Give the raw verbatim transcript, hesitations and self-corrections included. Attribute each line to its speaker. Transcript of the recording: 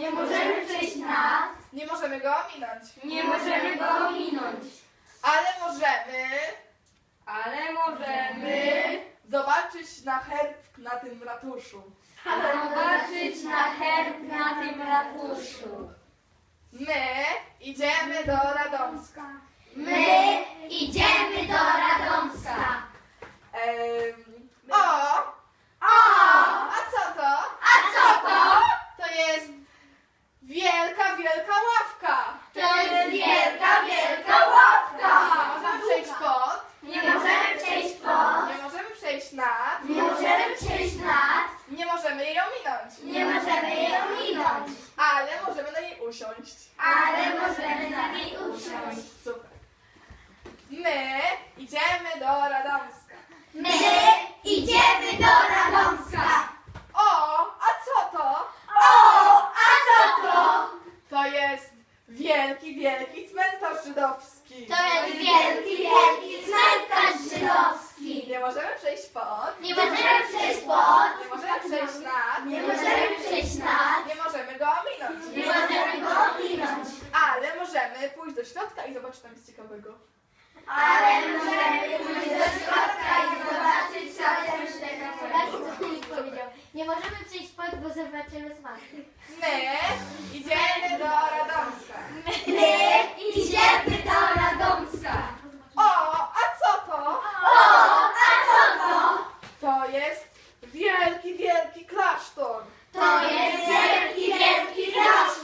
Speaker 1: Nie możemy przejść nad.
Speaker 2: Nie możemy go ominąć.
Speaker 1: Nie możemy go ominąć.
Speaker 2: Ale możemy
Speaker 1: Ale możemy
Speaker 2: zobaczyć na herb na tym ratuszu.
Speaker 1: zobaczyć na herb na tym ratuszu.
Speaker 2: My idziemy do Radomska.
Speaker 1: My idziemy do Radomska.
Speaker 2: Em, o!
Speaker 1: O!
Speaker 2: A co to?
Speaker 1: A co to?
Speaker 2: To jest wielka, wielka ławka.
Speaker 1: To jest wielka, wielka ławka.
Speaker 2: Nie możemy przejść pod,
Speaker 1: Nie możemy przejść pod.
Speaker 2: nie możemy przejść nad,
Speaker 1: Nie możemy przejść nad.
Speaker 2: nie możemy jej ominąć.
Speaker 1: Nie możemy jej ominąć.
Speaker 2: Ale możemy na niej usiąść.
Speaker 1: Ale możemy na niej usiąść.
Speaker 2: Super. My idziemy do Radomska.
Speaker 1: My idziemy do Radomska.
Speaker 2: O, a co to?
Speaker 1: O, a co to?
Speaker 2: To jest wielki, wielki cmentarz żydowski.
Speaker 1: To jest wielki, wielki cmentarz żydowski.
Speaker 2: Nie możemy przejść pod,
Speaker 1: Nie możemy przejść pod.
Speaker 2: nie możemy przejść nad,
Speaker 1: Nie możemy przejść nad.
Speaker 2: nie możemy go ominąć.
Speaker 1: Nie możemy go ominąć.
Speaker 2: Ale możemy pójść do środka i zobaczyć tam jest ciekawego.
Speaker 1: Ale możemy pójść do środka i zobaczyć, co tam się
Speaker 3: powiedział. Nie możemy przejść pod, bo zobaczymy smak.
Speaker 2: My idziemy do Radomska.
Speaker 1: My idziemy do Radomska.
Speaker 2: O, a co to?
Speaker 1: O, a co to?
Speaker 2: To jest wielki, wielki klasztor.
Speaker 1: To jest wielki, wielki klasztor.